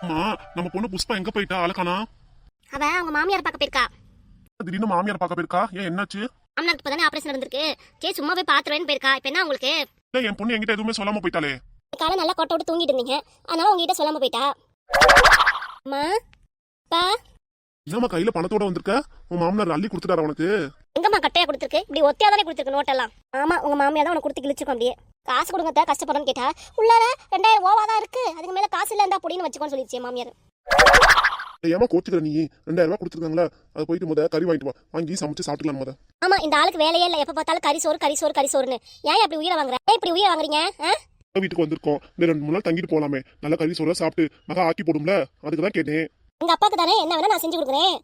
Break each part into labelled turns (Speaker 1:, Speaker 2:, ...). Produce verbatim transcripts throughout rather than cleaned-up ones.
Speaker 1: அம்மா, நம்ம பொண்ணு புஷ்பா எங்க போயிட்டா? அழகானா?
Speaker 2: அவ அவங்க மாமியார் பார்க்க போயிருக்கா.
Speaker 1: திடீர்னு மாமியார் பார்க்க போயிருக்கா? ஏன், என்னாச்சு?
Speaker 2: மாமனாருக்கு இப்பதானே ஆபரேஷன் நடந்திருக்கு. சரி சும்மா போய் பாத்துருவேன்னு போயிருக்கா. இப்ப என்ன உங்களுக்கு?
Speaker 1: இல்ல, என் பொண்ணு என்கிட்ட எதுவுமே சொல்லாம போயிட்டாலே.
Speaker 2: காலை நல்லா கொட்ட விட்டு தூங்கிட்டு இருந்தீங்க, அதனால உங்ககிட்ட சொல்லாம போயிட்டா. அம்மா பா
Speaker 1: என்னம்மா கையில பணத்தோட வந்திருக்க? உன் மாமனார் அள்ளி கொடுத்துட்டாரா உனக்கு?
Speaker 2: எங்கம்மா கட்டையா கொடுத்துருக்கு? இப்படி ஒத்தையா தானே கொடுத்துருக்கு நோட்டெல்லாம். ஆமா, உங்க மாமியார் தான் உனக்கு கொடுத்து கிழிச்சுக்கும். அப்படியே காசு கொடுங்க கஷ்டப்படுறேன்னு கேட்டா, உள்ளார ரெண்டாயிரம் ஓவா தான் இருக்கு, அதுக்கு மேல காசு இல்ல இருந்தா புடின்னு வச்சுக்கோன்னு சொல்லிடுச்சு மாமியார்.
Speaker 1: ஏமா கோச்சுக்கிற நீ? ரெண்டாயிரம் ரூபாய் கொடுத்துருக்காங்களா, அதை போயிட்டு முத கறி வாங்கிட்டு வா, வாங்கி சமைச்சு சாப்பிட்டுக்கலாம் முத.
Speaker 2: ஆமா, இந்த ஆளுக்கு வேலையே இல்ல, எப்ப பார்த்தாலும் கறி சோறு கறி சோறு கறி சோறுன்னு. ஏன் அப்படி உயிரை வாங்குற? ஏன் இப்படி உயிரை வாங்குறீங்க?
Speaker 1: வீட்டுக்கு வந்திருக்கோம், இந்த ரெண்டு மூணு நாள் தங்கிட்டு போலாமே, நல்ல கறி சோறு சாப்பிட்டு மகா ஆக்கி போடும்ல, அதுக்கு தான் கேட்டேன்.
Speaker 2: உங்க அப்பாக்கு தானே என்ன வேணா நான் செஞ்சு கொடுக்குறேன்.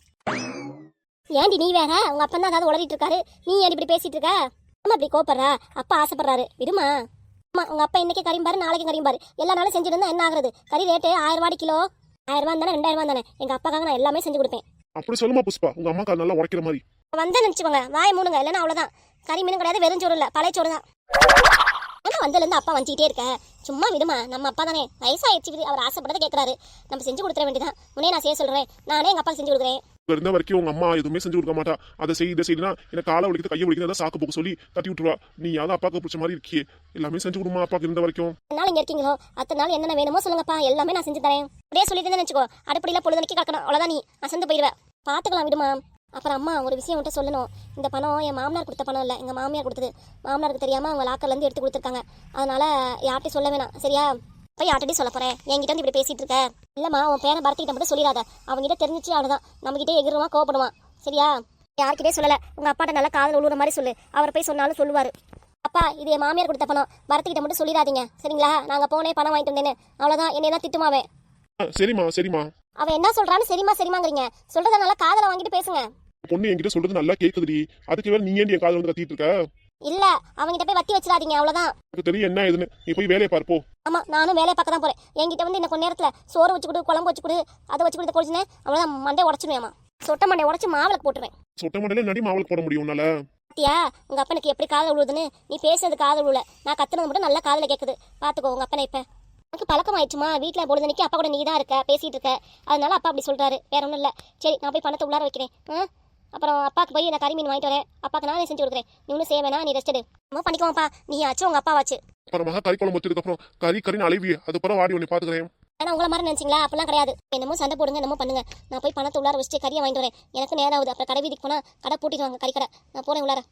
Speaker 2: ஏன்டி நீ வேற? உங்க அப்பா தான் ஏதாவது உளறிட்டு இருக்காரு, நீ ஏன் இப்படி பேசிட்டு இருக்க? அம்மா இப்படி கோப்படுறா, அப்பா ஆசைப்படுறாரு, விடுமா. அம்மா உங்க அப்பா இன்னைக்கு கறிம்பாரு, நாளைக்கு கறிம்பாரு, எல்லா நாளும் செஞ்சிருந்தா என்ன ஆகுறது? கறி ரேட்டு ஆயிரம் ரூபாய் கிலோ, ஆயிரம் ரூபாய் தானே ரெண்டாயிரம் ரூபாய் தானே. எங்க அப்பாக்காக நான் எல்லாமே செஞ்சு கொடுப்பேன்.
Speaker 1: அப்படி சொல்லுமா புஷ்பா, உங்க அம்மா நல்லா உடைக்கிற மாதிரி
Speaker 2: வந்தா நினைச்சுக்கோங்க, வாய் மூணுங்க, இல்லைன்னா அவ்வளவுதான். கறி மீனும் கிடையாது, வெறும் சோறு இல்ல, பழைய சோறு தான். ஏன்னா வந்ததுல இருந்து அப்பா வஞ்சிக்கிட்டே இருக்க, சும்மா விடுமா. நம்ம அப்பா தானே, வயசாயிடுச்சு, அவர் ஆசைப்பட்டதை கேட்கறாரு, நம்ம செஞ்சு கொடுத்துட வேண்டியதான். உடனே நான் செய்ய சொல்றேன், நானே எங்க அப்பா செஞ்சு கொடுக்குறேன்.
Speaker 1: இருந்த வரைக்கும் உங்க அம்மா எதுவுமே செஞ்சு கொடுக்க மாட்டா. அதை செய்ய இதை செய்யலாம், எனக்கு காலை வலிக்குது கையை வலிக்குது சாக்கு போக்கு சொல்லி தட்டி விட்டுருவா. நீ யாவது அப்பாவுக்கு பிடிச்ச மாதிரி இருக்கியே, எல்லாமே செஞ்சு கொடுமா அப்பாவுக்கு இருந்த வரைக்கும்.
Speaker 2: நாள் இங்க இருக்கீங்களோ அத்தனை நாள் என்னென்ன வேணுமோ சொல்லுங்கப்பா, எல்லாமே நான் செஞ்சு தரேன். அப்படியே சொல்லிட்டு நினைச்சுக்கோ, அடுப்படியில பொழுதுனைக்கு கலக்கணும், அவ்வளவுதான். நீ அசந்து போயிடுவேன், பாத்துக்கலாம் விடுமா. அப்புறம் அம்மா ஒரு விஷயம் மட்டும் சொல்லணும். இந்த பணம் என் மாமனார் கொடுத்த பணம் இல்லை, எங்க மாமியார் கொடுத்தது. மாமனாருக்கு தெரியாம அவங்க லாக்கர்ல இருந்து எடுத்து கொடுத்துருக்காங்க, அதனால யார்ட்டையும் சொல்ல வேணாம், சரியா? போய் யார்ட்டே சொல்ல போறேன், என்கிட்ட வந்து இப்படி பேசிட்டு இருக்க. இல்லம்மா, உன் பேரை பரத்திக்கிட்ட மட்டும் சொல்லிடாத, அவங்ககிட்ட தெரிஞ்சிச்சு அவ்வளவுதான், நம்ம கிட்டே எகிருவான், கோவப்படுவான், சரியா? யார்கிட்டே சொல்லல, உங்க அப்பாட்ட நல்லா காதல் உழுவுற மாதிரி சொல்லு, அவர் போய் சொன்னாலும் சொல்லுவாரு. அப்பா இது என் மாமியார் கொடுத்த பணம், பரத்திக்கிட்ட மட்டும் சொல்லிடாதீங்க, சரிங்களா? நாங்க போனே பணம் வாங்கிட்டு வந்தேன்னு, அவ்வளவுதான். என்னைய தான் திட்டுமாவே.
Speaker 1: சரிம்மா சரிம்மா.
Speaker 2: அவன் என்ன சொல்றான்னு சரிமா சரிமாங்கிறீங்க, சொல்றத நல்லா காதல வாங்கிட்டு பேசுங்க.
Speaker 1: பொண்ணு என்கிட்ட சொல்றது நல்லா கேக்குதுடி, அதுக்கு வேற நீ ஏன் என் காதல வந்து கத்திட்டு இருக்க?
Speaker 2: இல்ல, அவங்கிட்ட போய் வத்தி வச்சிடாதீங்க, அவ்வளவுதான்.
Speaker 1: எனக்கு தெரியும் என்ன ஏதுன்னு, நீ போய் வேலையை பார்ப்போ.
Speaker 2: ஆமா, நானும் வேலையை பார்க்க தான் போறேன். என்கிட்ட வந்து இன்னும் கொஞ்ச நேரத்துல சோறு வச்சு கொடு, குழம்பு வச்சு கொடு, அதை வச்சு கொடுத்து கொடிச்சுனே, அவ்வளவுதான். மண்டே உடச்சுடுவேமா, சொட்ட மண்டை உடச்சு மாவுளுக்கு போட்டுருவேன்.
Speaker 1: சொட்ட மண்டையில நடி மாவுளுக்கு போட முடியும் உன்னால?
Speaker 2: பாத்தியா உங்க அப்பனுக்கு எப்படி காதல் உழுதுன்னு? நீ பேசுறது காதல் உள்ள, நான் கத்துனது மட்டும் நல்லா காதல கேக்குது. பாத்துக்கோ உங்க அப்பனை. இப்ப எனக்கு பழக்கம் ஆயிடுச்சுமா, வீட்டுல பொழுதுனைக்கு அப்பா கூட நீ தான் இருக்க, பேசிட்டு இருக்க, அதனால அப்பா அப்படி சொல்றாரு, வேற ஒண்ணும் இல்ல. சரி, நான் போய் பணத்தை உள்ளார வைக்கிறேன். அப்புறம் அப்பாக்கு போய் நான் கறி மீன் வாங்கிட்டு வரேன், அப்பாக்கு நானே செஞ்சு கொடுக்குறேன். நீ ஒன்றும் செய்ய வேணா, நீ ரெஸ்ட் எடு. நம்ம பண்ணிக்குவாப்பா, நீ ஆச்சு உங்க அப்பா வாச்சு.
Speaker 1: அப்புறமா கறி குழம்பு வச்சதுக்கு அப்புறம் கறி கறின்னு அழிவி, அதுக்கப்புறம் வாடி ஒன்று பாத்துக்கிறேன்.
Speaker 2: ஏன்னா உங்களை மாதிரி நினைச்சிங்களா? அப்பெல்லாம் கிடையாது. என்னமோ சண்டை போடுங்க, என்னமோ பண்ணுங்க. நான் போய் பணத்தை உள்ளார வச்சுட்டு கறியை வாங்கிட்டு வரேன், எனக்கு நேரம் ஆகுது. அப்புறம் கடை வீதிக்கு போனா கடை பூட்டிடுவாங்க, கறி கடை. நான் போறேன் உள்ளார.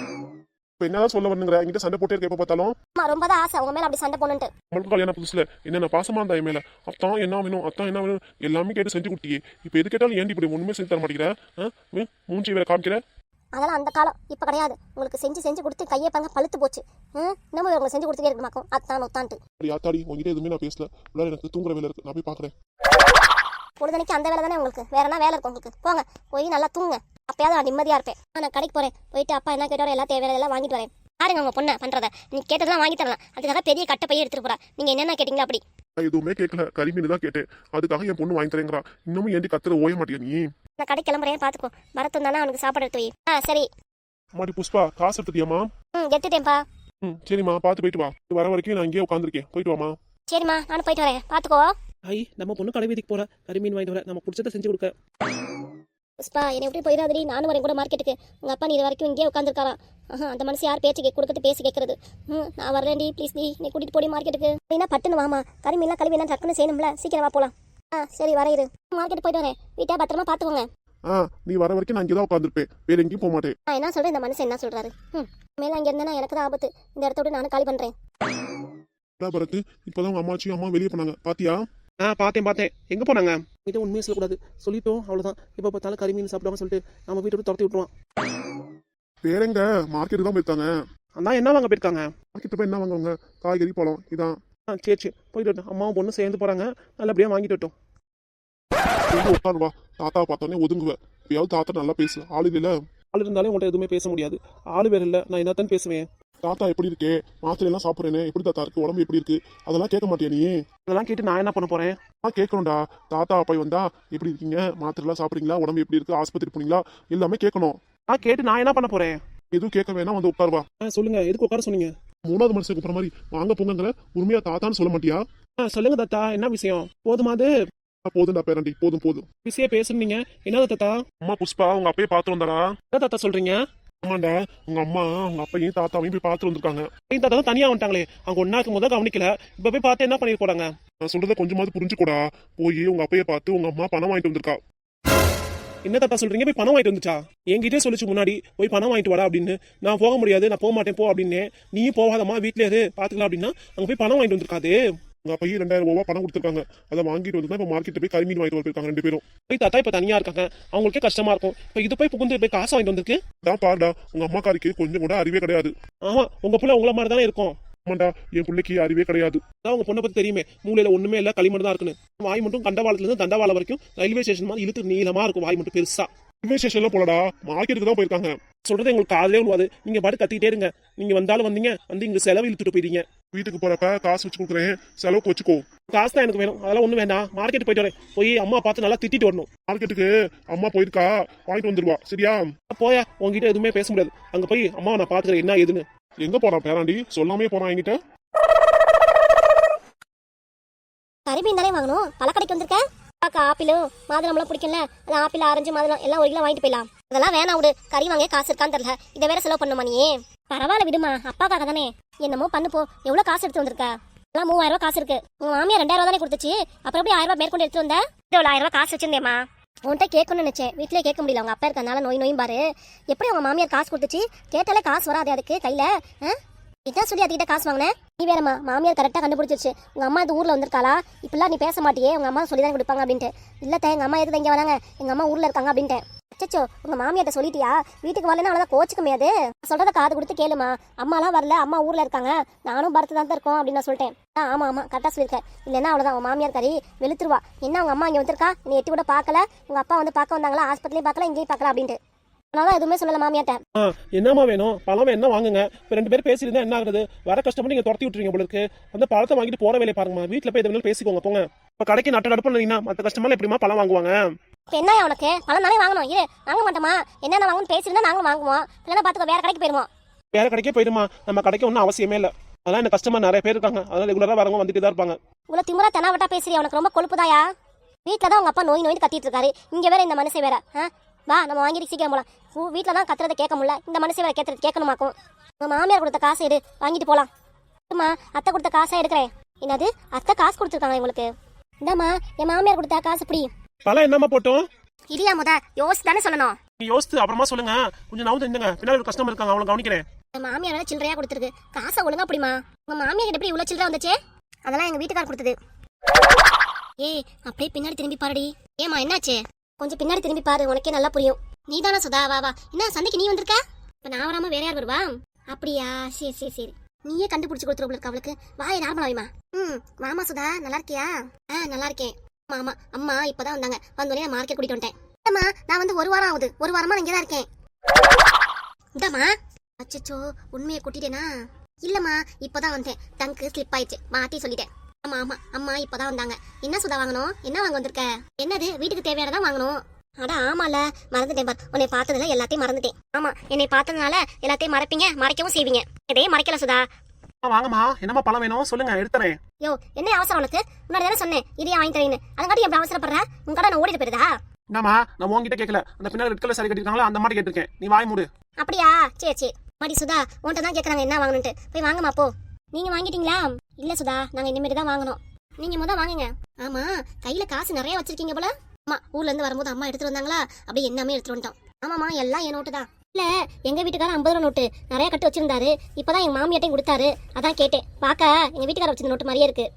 Speaker 1: இப்போ என்னதான் சொல்ல வரணுங்கிற? என்கிட்ட சண்டை போட்டே இருக்க எப்போ பார்த்தாலும்.
Speaker 2: அம்மா ரொம்ப தான் ஆசை உங்க மேல அப்படி சண்டை போடணுன்ட்டு.
Speaker 1: நம்மளுக்கு கல்யாணம் புதுசுல என்னென்ன பாசமா இருந்தா என் மேல, அத்தான் என்ன வேணும் அத்தான் என்ன வேணும் எல்லாமே கேட்டு செஞ்சு கொடுத்தியே. இப்போ எது கேட்டாலும் ஏன்டி இப்படி ஒண்ணுமே செஞ்சு தர மாட்டேங்கிற? மூஞ்சி வேற காமிக்கிற.
Speaker 2: அதெல்லாம் அந்த காலம், இப்போ கிடையாது. உங்களுக்கு செஞ்சு செஞ்சு கொடுத்து கையை பாருங்க பழுத்து போச்சு. இன்னமும் உங்களுக்கு செஞ்சு கொடுத்துட்டே இருக்க மாட்டோம், அத்தான் ஒத்தான்ட்டு.
Speaker 1: யாத்தாடி உங்ககிட்ட எதுவுமே நான் பேசல, உள்ளார எனக்கு தூங்குற வேலை இருக்கு, நான் போய் பாக்குறேன்.
Speaker 2: பொழுதுனைக்கு அந்த வேலை தானே உங்களுக்கு, வேற என்ன வேலை இருக்கும் உங்களுக்கு? போங்க போய் நல்லா தூங்க, அப்பயாவது நான் நிம்மதியா இருப்பேன். நான் கடைக்கு போறேன், போயிட்டு அப்பா என்ன கேட்டாரோ எல்லாம் தேவையான எல்லாம் வாங்கிட்டு வரேன். பாருங்க உங்க பொண்ணை பண்றத, நீ கேட்டதெல்லாம் வாங்கி தரலாம். அதுக்காக பெரிய கட்டை பைய எடுத்துட்டு போறா. நீங்க என்னென்ன கேட்டீங்களா? அப்படி
Speaker 1: எதுவுமே கேட்கல, கறிமீன் தான் கேட்டேன், அதுக்காக என் பொண்ணு வாங்கி தரேங்கிறா. இன்னமும் ஏண்டி கத்துற ஓய மாட்டியா நீ?
Speaker 2: நான் கடை கிளம்புறேன், பாத்துக்கோ. வரத்தும் தானே அவனுக்கு சாப்பாடு எடுத்து வை. ஆ சரி.
Speaker 1: மாடி புஷ்பா, காசு எடுத்துட்டியாமா?
Speaker 2: ம் எடுத்துட்டேன்ப்பா.
Speaker 1: ம் சரிம்மா, பார்த்து போயிட்டு வா. வர வரைக்கும் நான் இங்கேயே உட்காந்துருக்கேன், போயிட்டு வாமா.
Speaker 2: சரிம்மா, நானும் போயிட்டு வரேன், பாத்துக்கோ.
Speaker 3: ஐ நம்ம பொண்ணு கடை வீதிக்கு போற, கறி மீன் வாங்கிட்டு வர, நம்ம பிடிச்சதை செஞ்சு கொடுக்க.
Speaker 2: புஷ்பா என்னை எப்படி போயிடாதடி, நானும் வரேன் கூட மார்க்கெட்டுக்கு. உங்க அப்பா நீ இது வரைக்கும் இங்கே உட்காந்துருக்காராம். ஆஹா, அந்த மனசு யார் பேச்சு கேட்க கொடுக்கறது, பேசி கேட்கறது. ம் நான் வரேன்டி, ப்ளீஸ் டி, நீ கூட்டிட்டு போடி மார்க்கெட்டுக்கு. என்ன பட்டுன்னு வாமா, கறி மீன்லாம் கழுவி எல்லாம் டக்குன்னு செய்யணும்ல, சீக்கிரம் வா போலாம். ஆ சரி வரையிரு, மார்க்கெட் போயிட்டு வரேன். வீட்டை பத்திரமா பாத்துக்கோங்க.
Speaker 1: ஆ நீ வர வரைக்கும் நான் இங்கே தான் உட்காந்துருப்பேன், வேற எங்கேயும் போக மாட்டேன்.
Speaker 2: நான் என்ன சொல்றேன், இந்த மனுஷன் என்ன சொல்றாரு? ம் மேல அங்கே இருந்தேன்னா எனக்கு தான் ஆபத்து. இந்த இடத்த விட்டு நானும் காலி பண்றேன்.
Speaker 1: பரத்து, இப்போதான் உங்க அம்மாச்சியும் அம்மா வெளியே போனாங்க, பாத்தியா?
Speaker 3: ஆ பார்த்தேன் பார்த்தேன். எங்க போனாங்க? இதை உண்மையை சொல்லக்கூடாது, சொல்லிட்டோம் அவ்வளவுதான். இப்போ பார்த்தாலும் கறி மீன் சாப்பிடாம சொல்லிட்டு நம்ம வீட்டை விட்டு துரத்தி விட்டுருவான்.
Speaker 1: வேற எங்க? மார்க்கெட்டு தான் போயிருக்காங்க.
Speaker 3: அதான் என்ன வாங்க போயிருக்காங்க?
Speaker 1: மார்க்கெட்டு போய் என்ன வாங்குவாங்க? காய்கறி பழம் இதான்.
Speaker 3: ஆ சரி சரி போயிட்டு வரட்டும். அம்மாவும் பொண்ணு சேர்ந்து போறாங்க, நல்லபடியா வாங்கிட்டு வரட்டும்.
Speaker 1: உட்காருவா, தாத்தாவை பார்த்தோன்னே ஒதுங்குவேன். எப்பயாவது தாத்தா நல்லா பேசு, ஆளு இல்ல.
Speaker 3: ஆள் இருந்தாலே உங்கள்கிட்ட எதுவுமே பேச முடியாது, ஆளு வேற இல்லை, நான் என்னத்தான் பேசுவேன்.
Speaker 1: தாத்தா எப்படி இருக்கே, மாத்திரை எல்லாம் சாப்பிட்றேனே, எப்படி தாத்தா இருக்கு, உடம்பு எப்படி இருக்கு, அதெல்லாம் கேட்க மாட்டியா நீ?
Speaker 3: இதெல்லாம் கேட்டு நான் என்ன பண்ண போறேன்?
Speaker 1: நான் கேட்கணும்டா. தாத்தா அப்பாய் வந்தா எப்படி இருக்கீங்க, மாத்திரை எல்லாம் சாப்பிட்றீங்களா, உடம்பு எப்படி இருக்கு, ஆஸ்பத்திரி போனீங்களா, எல்லாமே கேட்கணும்.
Speaker 3: நான் கேட்டு நான் என்ன பண்ண போறேன்?
Speaker 1: எதுவும் கேட்க வேணா, வந்து உட்காருவா.
Speaker 3: சொல்லுங்க, எதுக்கு உட்கார சொன்னீங்க?
Speaker 1: மூணாவது மனுஷன் கூப்பிட்ற மாதிரி வாங்க போங்கிற, உண்மையா தாத்தான்னு சொல்ல மாட்டியா?
Speaker 3: சொல்லுங்க தாத்தா, என்ன விஷயம்? போதுமாது
Speaker 1: போதும்டா பேரண்டி, போதும் போதும்.
Speaker 3: பிஸியா பேசுனீங்க, என்ன தாத்தா?
Speaker 1: அம்மா புஷ்பா உங்க அப்பயே பார்த்து வந்தாடா.
Speaker 3: என்ன தாத்தா சொல்றீங்க?
Speaker 1: ஆமாண்டா, உங்க அம்மா உங்க அப்பையும் தாத்தாவையும் போய் பார்த்து வந்திருக்காங்க.
Speaker 3: என் தாத்தா தான் தனியா வந்துட்டாங்களே, அவங்க ஒன்னா இருக்கும் போது கவனிக்கல, இப்ப போய் பார்த்து என்ன பண்ணிட்டு போறாங்க?
Speaker 1: நான் சொல்றத கொஞ்சமாவது புரிஞ்சுக்கூடா. போய் உங்க அப்பைய பார்த்து உங்க அம்மா பணம் வாங்கிட்டு வந்திருக்கா.
Speaker 3: என்ன தாத்தா சொல்றீங்க? போய் பணம் வாங்கிட்டு வந்துச்சா? என்கிட்டே சொல்லிச்சு முன்னாடி, போய் பணம் வாங்கிட்டு வாடா அப்படின்னு. நான் போக முடியாது, நான் போக மாட்டேன் போ அப்படின்னு. நீயும் போகாதம்மா, வீட்லயே இரு பாத்துக்கலாம் அப்படின்னா அங்க போய் பணம் வாங்கிட்டு வந்திருக்காது.
Speaker 1: உங்க அப்பையும் ரெண்டாயிரம் ரூபாய் பணம் கொடுத்துருக்காங்க. அதை வாங்கிட்டு வந்து இப்போ மார்க்கெட்ல போய் கறிமீன் வாங்கிட்டு வந்திருக்காங்க ரெண்டு பேரும்.
Speaker 3: போய் தாத்தா இப்ப தனியா இருக்காங்க, அவங்களுக்கே கஷ்டமா இருக்கும். இப்ப இது போய் புகுந்து போய் காசு வாங்கிட்டு வந்திருக்கு.
Speaker 1: தான் பாருடா, உங்க அம்மாக்காரிக்கு கொஞ்சம் கூட அறிவே கிடையாது.
Speaker 3: ஆமா, உங்க புள்ள உங்கள மாதிரி தானே இருக்கும்.
Speaker 1: ஆமாண்டா, என் பிள்ளைக்கு அறிவே கிடையாது.
Speaker 3: அதான் உங்க பொண்ணை பத்தி தெரியுமே, மூலையில ஒண்ணுமே இல்ல, களிமண் தான் இருக்குன்னு. வாய் மட்டும் கண்டவாளத்துல இருந்து தண்டவாளம் வரைக்கும் ரயில்வே ஸ்டேஷன் மாதிரி இழுத்து நீளமா இருக்கும், வாய் மட்டும் பெருசா.
Speaker 1: ரயில்வே ஸ்டேஷன்ல போலடா, மார்க்கெட்டுக்கு தான் போயிருக்காங்க.
Speaker 3: சொல்றது எங்களுக்கு காதலே விழுவாது. நீங்க பாட்டு கத்திட்டே இருங்க. நீங்க வந்தாலும் வந்தீங்க, வந்து இங்க செலவு இழுத்துட்டு போயிட்டீங்க.
Speaker 1: வீட்டுக்கு போறப்ப காசு வச்சு கொடுக்குறேன், செலவுக்கு வச்சுக்கோ.
Speaker 3: காசு தான் எனக்கு வேணும், அதெல்லாம் ஒண்ணும் வேண்டாம். மார்க்கெட் போயிட்டு வரேன், போய் அம்மா பார்த்து நல்லா திட்டிட்டு வரணும்.
Speaker 1: மார்க்கெட்டுக்கு அம்மா போயிருக்கா, வாங்கிட்டு வந்துருவா. சரியா?
Speaker 3: போயா, உங்ககிட்ட எதுவுமே பேச முடியாது. அங்க போய் அம்மா நான் பாத்துக்கிறேன் என்ன ஏதுன்னு.
Speaker 1: எங்க போறான் பேராண்டி? சொல்லாமே போறான் என்கிட்ட.
Speaker 2: கறிமீன் தானே வாங்கணும், பழக்கடைக்கு வந்திருக்க. அக்கா ஆப்பிளும் மாதுளம்லாம் பிடிக்கல, அது ஆப்பிள் ஆரஞ்சு மாதுளம் எல்லாம் ஒரு கிலோ வாங்கிட்டு போயிடலாம். அதெல்லாம் வேணா விடு, கறி வாங்க காசு இருக்கான்னு தெரியல, இதை வேற செலவு பண்ணுமா நீ? பரவாயில்ல விடுமா, அப்பாக்காக தானே, என்னமோ பண்ணு போ. எவ்வளவு காசு எடுத்து வந்திருக்க? எல்லாம் மூவாயிரம் ரூபாய் காசு இருக்கு. உங்க மாமியா ரெண்டாயிரம் ரூபாய் தானே கொடுத்துச்சு, அப்புறம் எப்படி ஆயிரம் ரூபாய் மேற்கொண்டு எடுத்து வந்த? இவ்வளவு ஆயிரம் ரூபாய் காசு வச்சிருந்தேமா. உன்கிட்ட கேட்கணும்னு நினைச்சேன், வீட்லயே கேட்க முடியல, உங்க அப்பா இருக்கனால நோய் நோயும் பாரு. எப்படி உங்க மாமியார் காசு கொடுத்துச்சு? கேட்டாலே காசு வராது அதுக்கு கையில. இதான் சொல்லி அதுக்கிட்ட காசு வாங்கினேன். நீ வேறம்மா, மாமியார் கரெக்டாக கண்டுபிடிச்சிருச்சு. உங்க அம்மா இந்த ஊர்ல வந்திருக்காளா, இப்பெல்லாம் நீ பேச மாட்டியே, உங்க அம்மா சொல்லி தான் கொடுப்பாங்க அப்படின்ட்டு. இல்லத்த, எங்க அம்மா எதுக்கு இங்க வராங்க, எங்க அம்மா ஊர்ல இருக்காங்க அப்படின்ட்டு. அச்சோ, உங்க மாமியார்ட்ட சொல்லிட்டியா? வீட்டுக்கு வரலன்னா அவ்வளோதான் கோச்சுக்க முடியாது. சொல்றத காது கொடுத்து கேளுமா. அம்மாலாம் வரல, அம்மா ஊர்ல இருக்காங்க, நானும் பரத்து தான் இருக்கோம் அப்படின்னு நான் சொல்லிட்டேன். ஆமா ஆமா கரெக்டாக சொல்லியிருக்கேன். இல்லைன்னா அவ்வளோதான், உங்க மாமியார் கறி வெளுத்துருவா. என்ன உங்க அம்மா இங்கே வந்திருக்கா, நீ எட்டி கூட பார்க்கல, உங்க அப்பா வந்து பார்க்க வந்தாங்களா, ஆஸ்பத்திரியும் பார்க்கல, இங்கேயும் பார்க்கல அப்படின்ட்டு. அதனால எதுவுமே சொல்லல மாமியார்ட்ட.
Speaker 3: ஆ, என்னமா வேணும்? பழம் என்ன வாங்குங்க. இப்போ ரெண்டு பேரும் பேசியிருந்தா என்ன ஆகுது? வர கஷ்டப்பட்டு நீங்க துரத்தி விட்டுறீங்க போல இருக்கு. அந்த பழத்தை வாங்கிட்டு போற வேலையை பாருங்கம்மா. வீட்டில் போய் எதுவும் பேசிக்கோங்க போங்க. இப்போ கடைக்கு நட்ட நடப்பு இல்லைன்னா மற்ற கஷ்டமெல்லாம் எப்படிமா பழம் வாங்குவாங்க?
Speaker 2: இப்போ என்ன உனக்கு பழம் தானே வாங்கணும், இரு வாங்க மாட்டோமா? என்னென்ன வாங்கணும்னு பேசியிருந்தா நாங்களும் வாங்குவோம், இல்லைன்னா பார்த்துக்கோ வேற கடைக்கு போயிடுவோம்.
Speaker 3: வேற கடைக்கே போயிடுமா, நம்ம கடைக்கு ஒன்றும் அவசியமே இல்லை. அதெல்லாம் இந்த கஸ்டமர் நிறைய பேர் இருக்காங்க, அதனால ரெகுலராக வரவங்க வந்துட்டு தான் இருப்பாங்க.
Speaker 2: இவ்வளோ திமுறா தெனாவட்டா பேசுறியா? உனக்கு ரொம்ப கொழுப்புதாயா? வீட்டில் தான் உங்க அப்பா நோய் நோய் கத்திட்டு இருக்காரு, இங்கே வேற இந்த மனுஷன் வேற. ஆ வா, நம்ம வாங்கிட்டு சீக்கிரம் போலாம். வீட்டில் தான் கத்துறதை கேட்க முடியல, இந்த மனுஷன் வேற கேட்கறது கேட்கணுமாக்கும். உங்க மாமியார் கொடுத்த காசை எடு, வாங்கிட்டு போலாம். அம்மா, அத்தை கொடுத்த காசை எடுக்கிறேன். என்னது, அத்தை காசு கொடுத்துருக்காங்க உங்களுக்கு? இந்தாம்மா, என் மாமியார் கொடுத்த காசு இப்படி.
Speaker 3: பழம் என்னம்மா போட்டோம்?
Speaker 2: இல்லையா முத யோசிச்சு தானே சொல்லணும்.
Speaker 3: நீ யோசித்து அப்புறமா சொல்லுங்க. கொஞ்சம் நவுந்து இருந்துங்க, பின்னாடி ஒரு கஸ்டமர் இருக்காங்க, அவங்களை கவனிக்கிறேன்.
Speaker 2: என் மாமியார் வேற சில்லறையா கொடுத்துருக்கு, காசை ஒழுங்கா அப்படிமா. உங்க மாமியார் கிட்ட எப்படி இவ்வளவு சில்லறை வந்துச்சே? அதெல்லாம் எங்க வீட்டுக்கார கொடுத்தது. ஏய், அப்படியே பின்னாடி திரும்பி பாருடி. ஏமா என்னாச்சு? கொஞ்சம் பின்னாடி திரும்பி பாரு, உனக்கே நல்லா புரியும். நீ தானே சுதா? வா வா. என்ன சந்தைக்கு நீ வந்திருக்க? இப்ப நான் வராம வேற யார் வருவா? அப்படியா, சரி சரி சரி. நீயே கண்டுபிடிச்சு கொடுத்துருக்க அவளுக்கு. வாயை நார்மலா வைமா. ம் மாமா சுதா, நல்லா இருக்கியா? ஆ நல்லா இருக்கேன். மாமா அம்மா இப்பதான் வந்தாங்க, வந்தோடனே நான் மார்க்கெட் கூட்டிட்டு வந்துட்டேன். அம்மா நான் வந்து ஒரு வாரம் ஆகுது, ஒரு வாரமா நான் இங்கே தான் இருக்கேன். இந்தாம்மா. அச்சச்சோ, உண்மையை கூட்டிட்டேனா? இல்லம்மா, இப்பதான் வந்தேன், டங்கு ஸ்லிப் ஆயிடுச்சு, மாத்தி சொல்லிட்டேன். ஆமா ஆமா, அம்மா இப்பதான் வந்தாங்க. என்ன சுதா வாங்கணும்? என்ன வாங்க வந்திருக்க? என்னது, வீட்டுக்கு தேவையானதான் வாங்கணும். அட ஆமால, மறந்துட்டேன் பார். உன்னை பார்த்ததுல எல்லாத்தையும் மறந்துட்டேன். ஆமா, என்னை பார்த்ததுனால எல்லாத்தையும் மறைப்பீங்க, மறைக்கவும் செய்வீங்க. இதே மறைக்கல சுதா.
Speaker 3: வாங்கம்மா, என்னம்மா பழம் வேணும் சொல்லுங்க, எடுத்துறேன்.
Speaker 2: யோ, என்ன அவசரம் உனக்கு? முன்னாடி தானே சொன்னேன் இதையே வாங்கி தரேன்னு. அதுங்காட்டி எப்படி அவசரப்படுற? உங்க கடை நான் ஓடிட்டு போயிருதா?
Speaker 3: என்னம்மா, நான் உங்ககிட்ட கேட்கல, அந்த பின்னாடி ரெட் கலர் சாரி கட்டிருக்காங்களா அந்த மாதிரி கேட்டிருக்கேன். நீ வாய் மூடு.
Speaker 2: அப்படியா, சரி சரி. மாடி சுதா, உன்கிட்ட தான் கேட்கறாங்க என்ன வாங்கணும்ட்டு. போய் வாங்கம்மா போ. நீங்க வாங்கிட்டீங்களா? இல்ல சுதா, நாங்க இனிமேட்டு தான் வாங்கணும். நீங்க முத வாங்குங்க. ஆமா, கையில காசு நிறைய வச்சிருக்கீங்க போல. அம்மா ஊர்ல இருந்து வரும்போது அம்மா எடுத்துட்டு வந்தாங்களா, அப்படியே எல்லாமே எடுத்துட்டு வந்துட்டோம். ஆமாமா, எல்லாம் என் நோட்டு தான். இல்ல, எங்க வீட்டுக்காரர் ஐம்பது ரூபா நோட்டு நிறைய கட்டு வச்சிருந்தாரு, இப்பதான் எங்க மாமியாட்டையும் கொடுத்தாரு, அதான் கேட்டேன். பாக்க எங்க வீட்டுக்காரர் வச்சிருந்த நோட்டு மாதிரியே இருக்கு.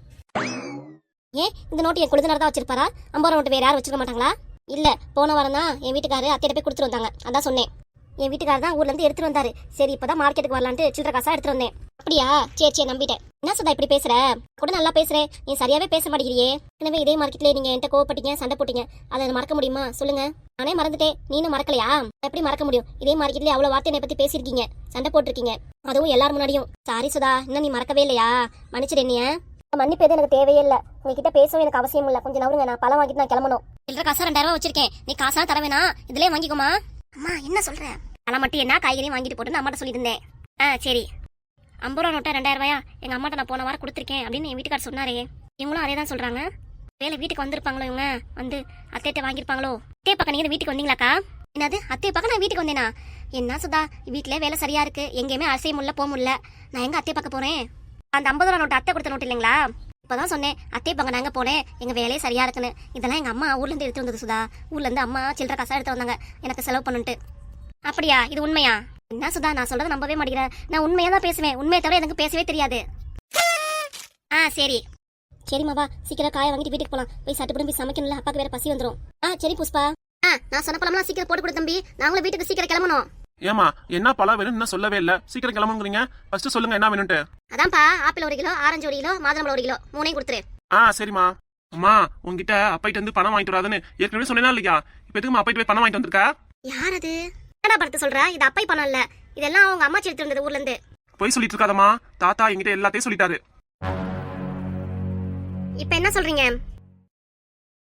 Speaker 2: ஏன் இந்த நோட்டு என் குழுதினர் தான் வச்சிருப்பாரா? ஐம்பது ரூபா நோட்டு வேற யாரும் வச்சிருக்க மாட்டாங்களா? இல்ல, போன வாரம் தான் என் வீட்டுக்காரரு அத்தையிட்ட போய் கொடுத்துட்டு வந்தாங்க, அதான் சொன்னேன். என் வீட்டுக்காரர் தான் ஊர்ல இருந்து எடுத்துட்டு வந்தாரு, சரி இப்பதான் மார்க்கெட்டுக்கு வரலான்ட்டு சில்லற காசா எடுத்துட்டு வந்தேன். அப்படியா, சரி சரி, நம்பிட்டேன். என்ன சுதா இப்படி பேசுற? கூட நல்லா பேசுறேன், நீ சரியாவே பேச மாட்டேங்கிறியே. எனவே இதே மார்க்கெட்ல நீங்க என்கிட்ட கோவப்பட்டீங்க, சண்டை போட்டீங்க, அதை மறக்க முடியுமா சொல்லுங்க? நானே மறந்துட்டேன், நீனும் மறக்கலையா? எப்படி மறக்க முடியும்? இதே மார்க்கெட்ல அவ்வளவு வார்த்தை என்னை பத்தி பேசிருக்கீங்க, சண்டை போட்டிருக்கீங்க, அதுவும் எல்லாரும் முன்னாடியும். சாரி சுதா, இன்னும் நீ மறக்கவே இல்லையா? மன்னிச்சிடு என்னைய. மன்னிப்பு எதுவும் எனக்கு தேவையே இல்லை, உங்ககிட்ட பேசவும் எனக்கு அவசியம் இல்லை. கொஞ்சம் நவருங்க, நான் பழம் வாங்கிட்டு நான் கிளம்பணும். சில்லற காசா ரெண்டாயிரம் ரூபாய் வச்சிருக்கேன், நீ காசா தர வேணா, இதுலயே வாங்கிக்கோமா. அம்மா என்ன சொல்ற? பழம் மட்டும் என்ன, காய்கறியும் வாங்கிட்டு போட்டு அம்மாட்ட சொல்லியிருந்தேன். ஆ சரி. ஐம்பது ரூபா நோட்டா ரெண்டாயிரம் ரூபாயா? எங்க அம்மாட்ட நான் போன வாரம் கொடுத்துருக்கேன் அப்படின்னு என் வீட்டுக்காரர் சொன்னாரே, இவங்களும் அதே தான் சொல்றாங்க. வேலை வீட்டுக்கு வந்திருப்பாங்களோ இவங்க வந்து அத்தைகிட்ட வாங்கியிருப்பாங்களோ. அத்தையை பார்க்க நீங்க வீட்டுக்கு வந்தீங்களாக்கா? என்னது அத்தையை பார்க்க நான் வீட்டுக்கு வந்தேனா? என்ன சுதா வீட்டிலே வேலை சரியா இருக்கு, எங்கேயுமே அசைய முடியல போக முடியல, நான் எங்க அத்தையை பார்க்க போறேன்? அந்த ஐம்பது ரூபா நோட்டு அத்தை கொடுத்த நோட்டு இல்லைங்களா, இப்பதான் சொன்னேன் அத்தையை பார்க்க நாங்க போனேன், எங்க வேலையே சரியா இருக்குன்னு. இதெல்லாம் எங்க அம்மா ஊர்ல இருந்து எடுத்து வந்தது சுதா. ஊர்ல இருந்து அம்மா சில்லற காசா எடுத்து வந்தாங்க எனக்கு செலவு பண்ணுன்ட்டு. அப்படியா? இது உண்மையா? என்ன சுதா நான் சொல்றது நம்பவே மாட்டேங்கிறேன். நான் உண்மையா தான் பேசுவேன், உண்மையை தவிர எனக்கு பேசவே தெரியாது. ஆ சரி சரிம்மா வா சீக்கிரம் காய வாங்கிட்டு வீட்டுக்கு போலாம். போய் சட்டுப்படும் போய் சமைக்கணும்ல, அப்பாக்கு வேற பசி வந்துடும். ஆ சரி புஷ்பா. ஆ நான் சொன்ன பழம்லாம் சீக்கிரம் போட்டு கொடு தம்பி, நாங்களும் வீட்டுக்கு சீக்கிரம் கிளம்பணும்.
Speaker 3: ஏமா என்ன பழம் வேணும்னு இன்னும் சொல்லவே இல்ல, சீக்கிரம் கிளம்புங்கிறீங்க. ஃபர்ஸ்ட் சொல்லுங்க என்ன வேணும்ட்டு.
Speaker 2: அதான்ப்பா ஆப்பிள் ஒரு கிலோ, ஆரஞ்சு ஒரு கிலோ, மாதுளம்பழம் ஒரு கிலோ, மூணையும் கொடுத்துரு.
Speaker 3: ஆ சரிம்மா. அம்மா உங்ககிட்ட அப்பாயிட்டு வந்து பணம் வாங்கிட்டு வராதுன்னு ஏற்கனவே சொன்னேனா இல்லையா? இப்போ எதுக்குமா அப்பாயிட்டு போய் பணம் வாங்கிட்டு வந்திருக்கா?
Speaker 2: யார் அது? என்னடா படுத்து சொல்ற? இது அப்பை பணம் இல்ல, இதெல்லாம் அவங்க அம்மா எடுத்து வந்தது ஊர்ல இருந்து.
Speaker 3: போய் சொல்லிட்டு இருக்காதம்மா, தாத்தா என்கிட்ட எல்லாத்தையும் சொல்லிட்டாரு.
Speaker 2: இப்ப என்ன சொல்றீங்க?